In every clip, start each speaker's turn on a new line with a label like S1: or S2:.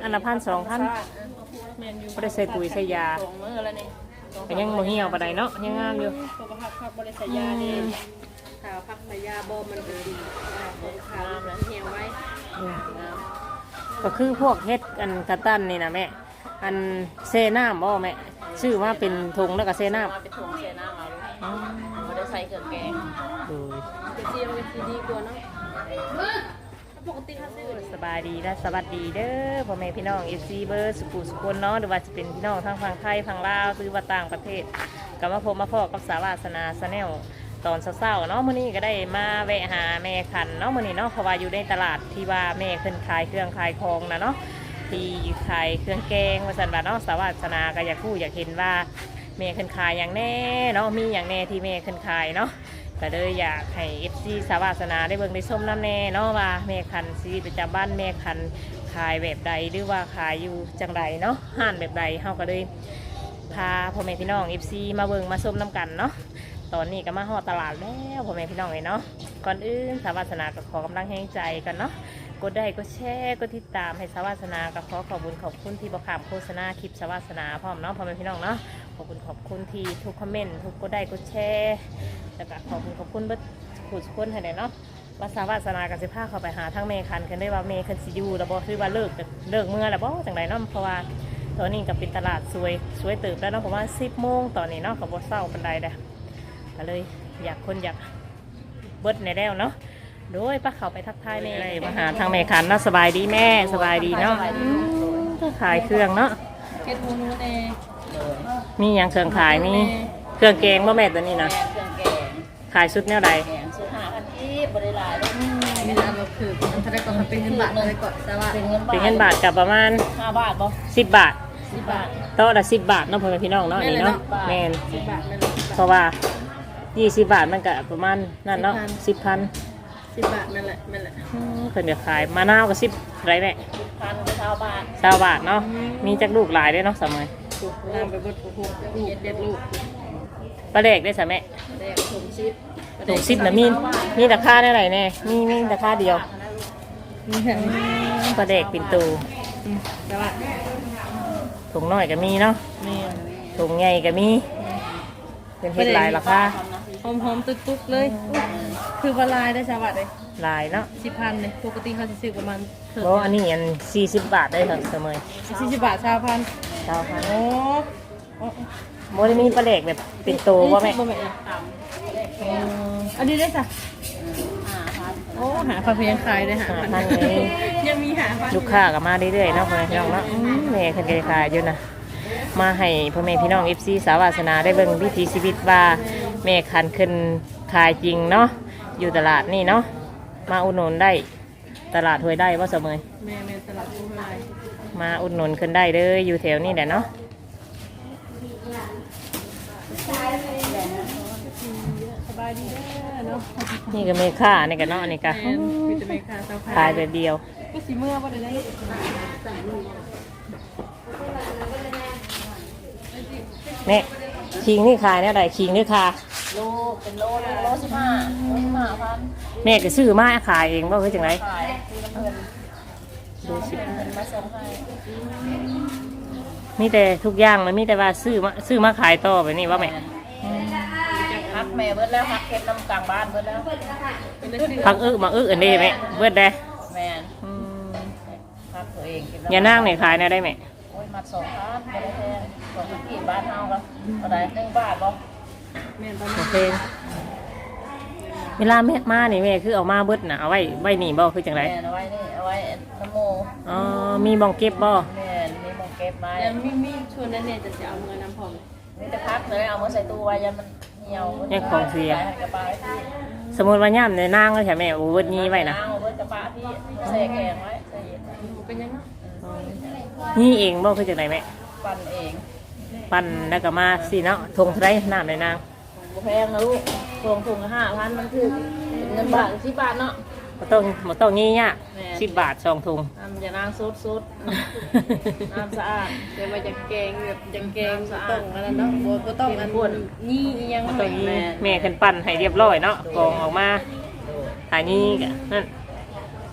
S1: นละ1,000 2,000บ่ได้ใส่ปุ๋ยใส่ยาก็ยังบ่เหี่ยวปานใดเนาะยังงามอยู่
S2: ผักบ่ได้ใส่ยานี่ถ้าผักใส่ยาบ่มันก็ดีขาวแล้วเหี่ยวไว้
S1: ก็คือพวกเฮ็ดอันกระตันนี่นะแม่อันเซน้ำบ่แม่ชื่อว่าเป็นถุงแล้วก็เซน้ำ
S2: เป็นถุงเซน้ำเอาบ่ได้ใส่เครื่องแกงเป็นเสียมเป็นดีกว่าเนาะปกติถ้าซื้อ
S1: สบายดีและสวัสดีเด้อพ่อแม่พี่น้อง FC เบอร์สุขุสุคนเนาะหรือว่าจะเป็นพี่น้องทั้งฝั่งไทยฝั่งลาวหรือว่าต่างประเทศก็มาพบมาพอกับสาวาสนาชาแนลตอนเช้าๆเนาะมื้อนี้ก็ได้มาแวะหาแม่คันเนาะมื้อนี้เนาะเพราะว่าอยู่ในตลาดที่ว่าแม่ขึ้นขายเครื่องขายของนะเนาะที่ขายเครื่องแกงว่าซั่นว่าเนาะสาวาสนาก็อยากรู้อยากเห็นว่าแม่ขึ้นขายอย่างแน่เนาะมีอย่างแน่ที่แม่ขึ้นขายเนาะก็เลยอยากให้ FC สาวาสนาได้เบิ่งได้ชมน้ำแน่เนาะว่าแม่คันชีวิตประจำบ้านแม่คันขายแบบใดหรือว่าขายอยู่จังใดเนาะห้านแบบใดเฮาก็เลยพาพ่อแม่พี่น้อง FC มาเบิ่งมาชมน้ำกันเนาะตอนนี้ก็มาฮอดตลาดแล้วพ่อแม่พี่น้องเลยเนาะก่อนอื่นสาวาสนาก็ขอกำลังแห่งใจกันเนาะกดได้กดแชร์กดติดตามให้สาวาสนาก็ขอขอบคุณที่บ่ขามโฆษณาคลิปสาวาสนาพร้อมเนาะพ่อแม่พี่น้องเนาะขอบคุณที่ทุกคอมเมนต์ทุกกดได้กดแชร์แล้วก็ขอบคุณเบิดผู้ทุกคนให้ได้เนาะว่าสาวาสนากับสิพาเข้าไปหาทั้งเมคันกันได้ว่าเมคันสิอยู่แล้วบ่คือว่าเลิกเมื่อแล้วบ่จังไดเนาะเพราะว่าตอนนี้ก็เป็นตลาดสวยตื่นแล้วเนาะผมว่า10 โมงตอนนี้เนาะก็บ่เศร้าปานใดเด้อก็เลยอยากเบิดในแล้วเนาะโดยป้าเขาไปทักทายแม่มาหาทางแม่คันเนาะสบายดีแม่สบายดีเนาะขายเครื่องเนาะ
S2: เฮ็ดฮูนูแน่
S1: มีอย่างเครื่องขายมีเครื่องแกงบ่แม่ตัวนี้นะ
S2: เครื่องแกง
S1: ขายชุดแนวใด
S2: ชุด5,000ที่บ่ได้หลายเลยเวลาเราคือมันเท่าไหร่ก็เป็นเงินบาทเลยก่อนแต่ว่า
S1: เป็นเงินบาทกับประมาณ
S2: 5 บาทบ่
S1: 10 บาท
S2: 10 บาท
S1: โต๊ะละ10 บาทเนาะพ่อแม่พี่น้องเนาะนี่เนาะแม่น
S2: 10 บาทนั่น
S1: เพราะว่า20 บาทมันก็ประมาณนั่นเนาะ10,000
S2: 10 บาทนั่นแหละ
S1: เพิ่นจะขายมะนาวก็10ไรแม่
S2: 10,000ก็20 บาท
S1: 20 บาทเนาะมีจักลูกหลายด้วยเนาะสมัย
S2: ตามไปเบิดลูกเด็ดลูก
S1: ปลาแดกได้ซะแม่
S2: แดกถุง
S1: 10น่ะมีราคาเท่าไหร่แน่มีราคาเดียวปลาแดกปิ่นโตถุงน้อยก็มีเนาะถุงใหญ่ก็มีเป็นเฮ็ดหลายราคา
S2: หอมๆตุ๊กๆเลยคือว่าลายได้สวัสดิ์เลย
S1: ลายเนาะ
S2: 10,000เลยปกติเขาจะซื้อประมาณ
S1: โอ้อันนี้อัน40 บาทได้ครับเสมอ
S2: 40 บาท20,000โอ้
S1: โมได้มีปลาแดกแบบเป็นโตว่าแม่
S2: อันนี้ได้จ้ะโอ้หาปลาเพียงขายได้หาพันยังมีหา
S1: ลูกค้าก็มาเรื่อยๆเนาะพ่อแม่พี่น้องเนาะแม่คนขายอยู่นะมาให้พ่อแม่พี่น้อง FC สาวาสนาได้เบิ่งวิถีชีวิตว่าแม่คันขึ้นขายจริงเนาะอยู่ตลาดนี่เนาะมาอุดหนุนได้ตลาดห้วยได้ว่าเสมอ
S2: แม่ตลาดห้วยได้
S1: มาอุดหนุนขึ้นได้เลยอยู่แถวนี้แหละเนาะ
S2: สบายดีเนาะ
S1: นี่ก็เมค่านี่กันเนาะนี่ก็ขายแบบเดียว
S2: ก็สีเมื่อวันนี้
S1: เนี่ยคิงนี่ขายเนี่ยใดคิงนี่ค่ะ
S2: โลเป็นโล15,000
S1: แม่ก็ซื้อมาขายเองว่าคือจังไร
S2: ดู10,000มาส่งให้
S1: มีแต่ทุกอย่างเลยมีแต่ว่าซื้อมาขายต่อไปนี่ว่าแม่
S2: พักแม่เบิดแล้วพักเก็บน้ำกลางบ้านเบิดแล้ว
S1: พักมาอันนี้แม่เบิดได้
S2: แม่พักตัวเอง
S1: อย่านั่งเนี่ยขายนะได้ไหม
S2: โอ้ยมัด2,000ไม่ได้แพง2,000ที่บ้านเฮาก็เท่าไหร่1 บาทบ่แม่โอเค
S1: เวลาแม่มานี่แม่คือเอามาเบิดน่ะเอาไว้นี่บ่คือจังไร
S2: เอาไว้นี่เอาไว้น้ำโม
S1: อ๋อมีมองเก็บบ่
S2: แม่มีมองเก็บไว้ยังมีชวนนั่นเนี่ยจะเอาเงินน้ำพองนี่จะพักเลยเอามาใส่ตู้ไว้ยันมันเหี่ยว
S1: ยังของเสียสมมติว่าย่ำในนางก็ใช่ไหมโอ้เบิดนี้ไว้นะ
S2: เบิดกระปะที่ใส่แกงไว้ใส่เป็นยังไง
S1: นี่เองบ่คือจังไรแม่
S2: ปั่นเอง
S1: ปั่นแล้วก็มาสิเนาะทงเท่าไรน้ำในนาง
S2: แพงนะลูกทง5,000มันคือเงินบาท10 บาทเนาะ
S1: มาต้องงี้เนี่ย10 บาท2 ถุง
S2: อย่านางซุดน้ำสะอาดเดี๋ยวมาจากแกงแบบจากแกงสะอาดอะไรเนาะบัวต้องอันนี่ยัง
S1: ไม่แม่ขึ้นปั่นให้เรียบร้อยเนาะกองออกมาถ่ายนี่นั่น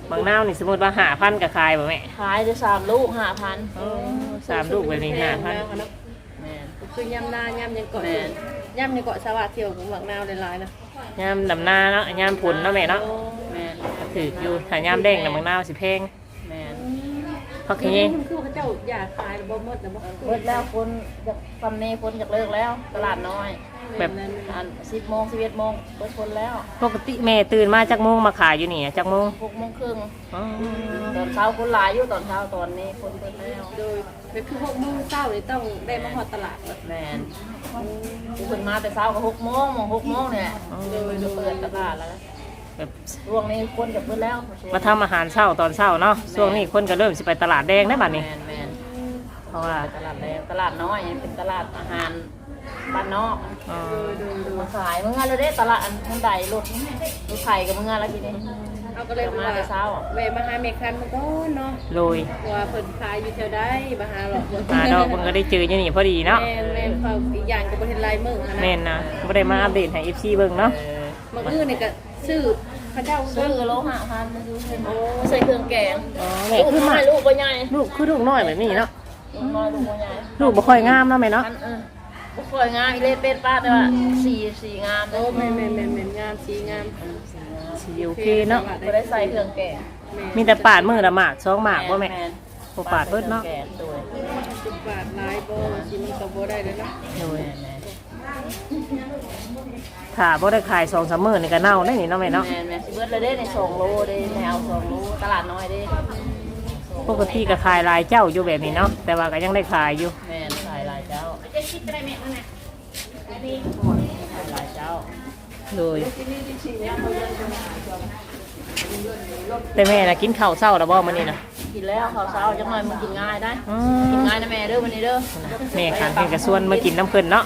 S1: บางนาวนี่สมมุติว่า5,000ก็ขายบ่แม่
S3: ขายได้3 ลูก 5,000
S1: 3ลูกแบบนี้5,000
S2: แม่น
S3: แม่น
S2: คือย่ำหน้าย่ำยังเกาะ
S3: แม่น
S2: ย่ำยังเกาะสวัสดิ์เที่ยวของหมักนาวหลายๆนะ
S1: ยามดำนาเนาะยามผลเนาะแม่เนาะ
S3: แม่น
S1: ก็ถืออยู่ถ้ายามแดงน่ะบางนาวสิแพง
S3: แม่น
S1: พักเอง
S2: คือพระเจ้าอยากขายบ่หมดนะบ่
S3: เบิดแล้วคนจากฟันนี้คนจากเลิกแล้ว ตลาดน้อย
S1: แบบ
S3: อัน10 โมง 11 โมงเบิดคนแล้ว
S1: ปกติแม่ตื่นมาจากโมงมาขายอยู่นี่จักโมง
S3: 6 โมงครึ่ง
S1: อ๋อ
S3: ตอนเช้าคนหลายอยู่ตอนเช้าตอนนี้คนเบิดแล้ว
S2: โดยเป็นคือ6 โมงเช้านี่ต้องได้มาฮอดตลาดแล้ว
S3: แม่นผู้คนมาแต่เช้าก็6 โมง6 โมงเนี่ยโดยจะเปิดตลาดแล้วนะ
S1: แบบ
S3: ช่วงนี้คนจะเบิดแล้ว
S1: มาทำอาหารเช้าตอนเช้าเนาะช่วงนี้คนก็เริ่มสิไปตลาดแดงได้บัดนี้
S3: แม่นแม่น
S1: เพราะว่า
S3: ตลาดแดงตลาดน้อยเป็นตลาดอาหารบ้านนอก
S1: อ๋อ
S3: มาขายเมื่อไงเราได้ตลาดอันมันใดรถไข่กับเมื่อไงแล้วทีนี้
S2: เอาก็เลย
S3: มา
S2: ว่า
S3: แต่เช้า
S2: แวะมาหาเมคันมาก่อนเนาะ
S1: โรย
S2: ว่าเพิ่นขายอยู่แถวใดมาหาหรอก
S1: หาดอกมันก็ได้เจออยู่นี่พอดีเนาะ
S2: แม่นเขาอีกอย่างก็บ่เห็นลายมือหั่น
S1: แม่นนะบ่ได้มาอัปเดตให้ FC เบิ่งเนาะ
S2: มื้ออื่นนี่ก็ซื้อพระเจ้า
S3: ซื้อโลหะพันมาซื้อใส่เครื่องแกง
S1: อ๋อแม่
S3: ลูก
S1: คือ
S3: น้
S1: มา
S3: อยลูกก็ใหญ่
S1: ลูกคือลูกน้อยแบบนี้เนาะ
S3: ลูกน้อยลูกก็ใหญ่
S1: ลูกบ่ค่อยงามเนาะแม่เนาะ
S3: บุคคลงามอีเล่เป็ดป้าแต่ว่าสีงาม
S2: โอ้แม่นงามสีงาม
S1: สิโอเคเนาะ
S3: ไม่ได้ใส่เครื่องแกง
S1: มีแต่ปาดมือละหมาก2หมากบ่แม่บ่ปาดเบิดเนาะ
S3: แกงด้วย
S2: 10 บาทหลายบ่สิมันก็บ่ได้เลยเนาะ
S1: โดยถ้าบ่ได้ขาย2-3มื้อนี่ก็เน่าได้นี่เนาะแม่เนาะ
S3: แม่สิเบิดเลยเด้ใน2 โลเด้แนว2 โลตลาดน้อยเด้
S1: ปกติก็ขายหลายเจ้าอยู่แบบนี้เนาะแต่ว่าก็ยังได้ขายอยู่
S3: แม่ขายหลายเจ้าขายหลายเจ้า
S1: โดยแต่แม่น่ะกินข้าวเช้าแล้วบ่มื้อนี้น่ะ
S3: กินแล้วข้าวเช้าจังหน่อยมันกินง่ายได้
S1: อ๋อ
S3: กินง่ายนะแม่เด้อวันนี้เด้อ
S1: แม่ขันเพิ่นก็ชวนมากินน้ำเพิ่นเนาะ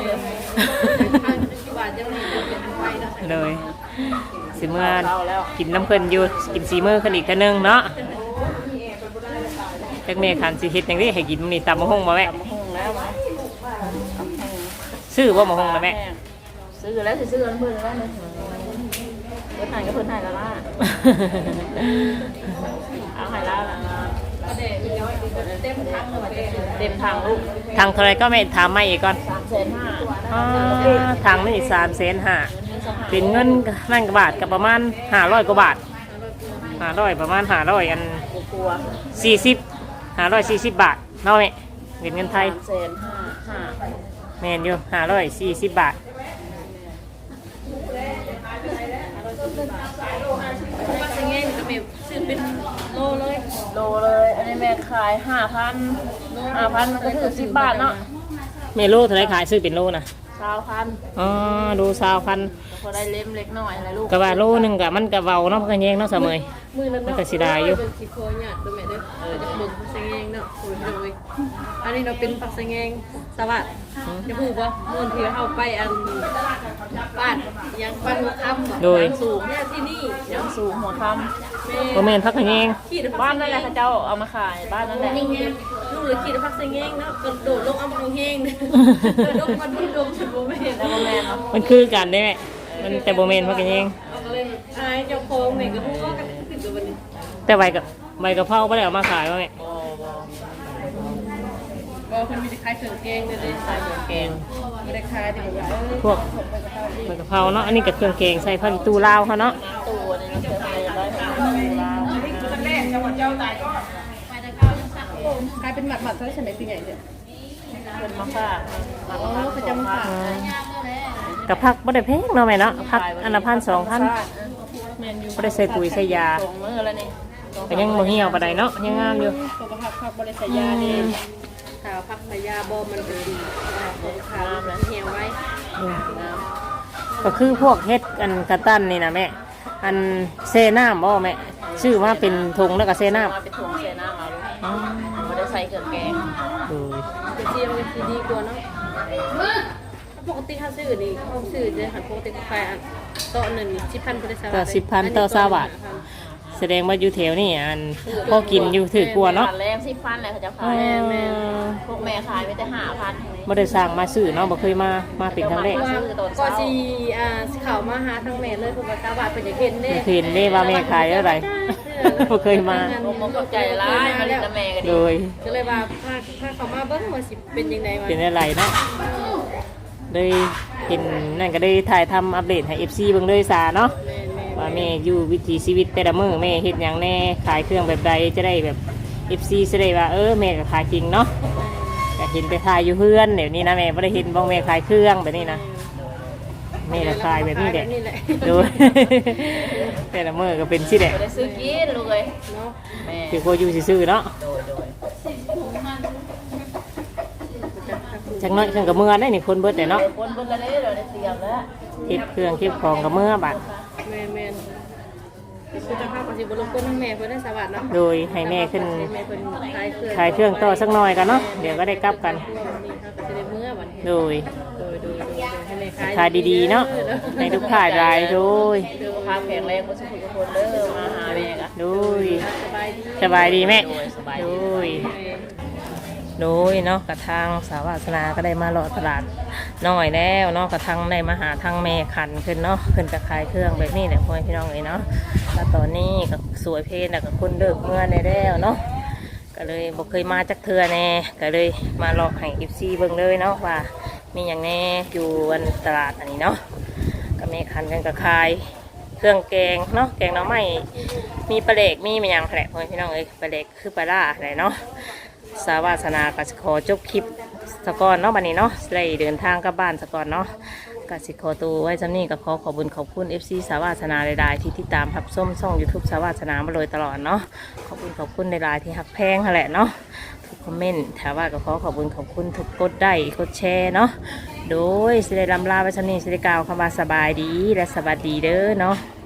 S2: 10 บาทจังนี้เป็นอันไว้เนาะ
S1: เลยสิเมื่อกินน้ำเพิ่นอยู่กินสีมือขึ้นอีกเทื่อนึงเนาะจักแม่ขันสิเฮ็ดจังได๋ให้กินมื้อนี้ตำมะฮุ่งบ่แม่
S3: ตำบักหุ่งแล้ว
S1: ซื้อบ่มะฮุ่งนะแม่
S3: ซื้อแล้วสิซื้อเพิ่นแล้วเนี่ยเพิ่นให้ก็เพิ่นให้แล้วล่ะเอาให้แล้วล่ะ
S2: ก็ได้เต็มถังเลยว่าเต็ม
S3: เต็มทางลูก
S1: ทางเท่าไรก็แม่ถามมาอีกก่อน
S3: 3,500,000
S1: อ๋อทางนี่3,500,000เป็นเงินนั่นกว่าบาทก็ประมาณ500กว่าบาท500ประมาณ500อัน
S3: กลัว
S1: 40 540บาทเนาะแม่เป็นเงินไทย
S3: 3,500,000
S1: แม่นอยู่540บาท
S2: ปักแงงก็แม่ซื้อเป็นโลเลย
S3: โลเลยอันนี้แม่ขาย 5,000มันก็ถือ10 บาทเนาะ
S1: แม่โลเท่าไรขายซื้อเป็นโลนะ
S3: 20,000
S1: อ๋อดูซาวพัน
S3: พอได้เล็มเล็กน้อยอะไรลูก
S1: กะว่าโลหนึงกะมันกะเว้าเนาะพักกันแยงเนาะเสมอ
S2: มือนั้น
S1: มัน
S2: เนาะ
S1: ก็สิได้อยู่
S2: เป็นสิโคหยาดตัวแม่เด้อจะเบิ่งปักแงงเนาะโอ้ยโดยอันนี้เราเป็นปักแงงสวัสดิ์จะพูดบ่มื้อที่เฮาไปอันบ้านยังบ้านหัวค่ำ
S1: โดย
S2: สูงเนี่ยที่นี่
S3: ยังสูงหัวค
S1: บ่แม่นพักกันแยง
S2: ขี่
S3: ำบ้านนั่นแหละเขาเจ้าเอามาขายบ้านนั่นแหละ
S2: ลูกเลยขี่ปักแงงเนาะกระโดดลงเอามาแห้งลงมาดูดมฉันบ่แม่น
S3: แล้วก็แม่เนาะ
S1: มันคือกันได้แม่มันแต่บ่แม่นพักกันแยง
S2: เอาก็เลยอายเจ้าของแม่ก็ฮู้ว่ากันขึ้นกับวันนี้
S1: แต่ใบกะเพราบ่ได้เอามาขายว่าแม่
S2: บ่เพิ่นมีแต่ขายเครื่องแกงเด้อ
S3: ใส่เครื่องแกง
S2: ไม่ได้ขายที่แบบว่า
S1: พวกใบกะเพราเนาะอันนี้ก็เครื่องแกงใส่ผักอีตูลาวเขาเนาะ
S3: ตัวนี่มันจะอะไรได้ไหม
S2: ขายเป็นหมัดๆเท่าไหร่เป็นใหญ่เด้อ
S3: เป็นมะฝาก
S2: อ๋อเขาจะมาฝาก
S1: กับผักบ่ได้แพงเนาะแม่เนาะผักอันละ1,000 2,000
S2: แม่นอยู่
S1: บ่ได้ใส่ปุ๋ยใส่ยา
S3: ส่งมือแล้วนี่
S1: ก็ยังบ่เหี่ยวปานใดเนาะยังงามอยู่
S2: เพราะว่าผักบริษัทยาเด้ถ้าผักสายาบ่มันก็ดีของขาวมันเหี่ยวไว้
S1: ก็คือพวกเฮ็ดอันกระตันนี่นะแม่อันเซน้ำบ่แม่ชื่อว่าเป็นถุงแล้วก็เซน้ำ
S3: มาเป็นถุงเซน้ำเอาลูกไม่ได้ใส่เครื่องแกง
S1: โดย
S2: กระเทียมก็ดีกว่าเนาะปกติถ้าซื้อนี่เขาซื้อจะหันปกติก็ขายอันโต๊ะหนึ่ง10,000บริษัท
S1: ต่อ10,000ต่อ20บาทแสดงว่าอยู่แถวนี่อันพอกินอยู่ถือกลัวเนาะ
S3: แรงสิฟันเลยเขาจะขายพวกแม่ขายไม่ได้5,000
S1: บ่ได้สร้างมาซื้อเนาะบ่เคยมาเป็นครั้งแรก
S2: ก็สิเข้ามาหาทางแม่เลยเพิ่นว่าตาบาดเพิ่นอยากเห็นเด้
S1: เห็นได้ว่าแม่ขายอะไร บ่เคยมา
S3: ผมเข้าใจร้ายมาเล่นกับแม่กัน
S1: โด
S3: ดี
S1: ย
S2: ก็เลยว่าพาเขามาเบิ่งว่าสิเป็นจังได๋วะ
S1: เป็นอะไรเนาะเลยเห็นนั่นก็ได้ถ่ายทำอัปเดตให้ FC เบิ่งเลยซาเนาะ
S2: แม่น
S1: ว่าแม่อยู่วิถีชีวิตแต่ละมื้อแม่เฮ็ดหยังแน่ขายเครื่องแบบใดจะได้แบบ FC จะได้ว่าแม่ก็ขายจริงเนาะก็เห็นไปขายอยู่เพื่อนเดี๋ยวนี้นะแม่บ่ได้เห็นบ่แม่ขายเครื่องแบบนี้นะแม่ก็ขายแบบนี้แหละ
S2: นี่แหละ
S1: ดู แต่ละมื้อก็เป็นสิแหละ
S3: บ่ได้ซื้อกินลูกเอ้ย
S2: เนาะ
S3: แม่
S1: คือพออยู่ซื่อๆเนาะ
S3: โดย
S1: จักน้อยจังก็เมื่อได้นี่คนเบิดแต่เนาะ
S3: คนเบิ่งกันเลยเราได้เตรียมแล้ว
S1: เก็บเครื่องเก็บของก็เมื่อบัด
S2: แม่นคือจะพาไปสิบ่รบกวนทางแม่เพิ่นได้สวัสดิ์เนาะ
S1: โดยให้แม่ขึ้น
S2: แม่เพิ่น
S1: ขายเครื่องต่อสักหน่อยกันเนาะเดี๋ยวก็ได้กลับกัน
S2: นี่ครับก็จะได้เมื่อบัดนี้
S1: โดย
S2: โดยให้แม่
S1: ขายดีๆเนาะในทุกขายรายโดย
S3: สุขภาพแข็งแรงบ่สุขทุกคนเด้อมาหาแม่กะ
S1: โดย
S2: สบายดี
S1: สบายดีแม่
S3: โดยสบาย
S1: โด
S3: ดี
S1: ยโดยเนาะกระทางสาวาสนาก็ได้มาหลอดตลาดน้อยแล้วเนาะกระทางได้มาหาทางแม่ขันขึ้นเนาะขึ้นจะขายเครื่องแบบนี้แหละพ่อแม่พี่น้องเลยเนาะแล้วตอนนี้ก็สวยเพลแล้วก็คนเดิกเมื่อในแล้วเนาะก็เลยบอกเคยมาจากเทือแน่ก็เลยมาหลอกให้อิฟซีเบิ่งเลยเนาะว่ามีอย่างแน่อยู่วันตลาดอันนี้เนาะก็แม่ขันกันก็ขายเครื่องแกงเนาะแกงหน่อไม้มีปลาเล็กมีมันยังแหละพ่อแม่พี่น้องเอ้ยปลาเล็กคือปลาล่าอะไรเนาะ สาวาสนาก็สิขอจบคลิปสกอนเนาะบัดนี้เนาะได้เดินทางกลับบ้านสกอนเนาะก็สิขอตัวไว้จำนี้ก็ขอบุญขอบคุณ FC สาวาสนาหลายๆที่ติดตามรับส้มช่อง YouTube สาวาสนามาโดยตลอดเนาะขอบคุณหลายๆที่หักแพงนั่นแหละเนาะทุกคอมเมนต์ถามว่าก็ขอบุญขอบคุณทุกกดได้กดแชร์เนาะโดยสิได้ลำลาไว้จำนี้สิได้กล่าวคำว่าสบายดีและสวัสดีเด้อเนาะ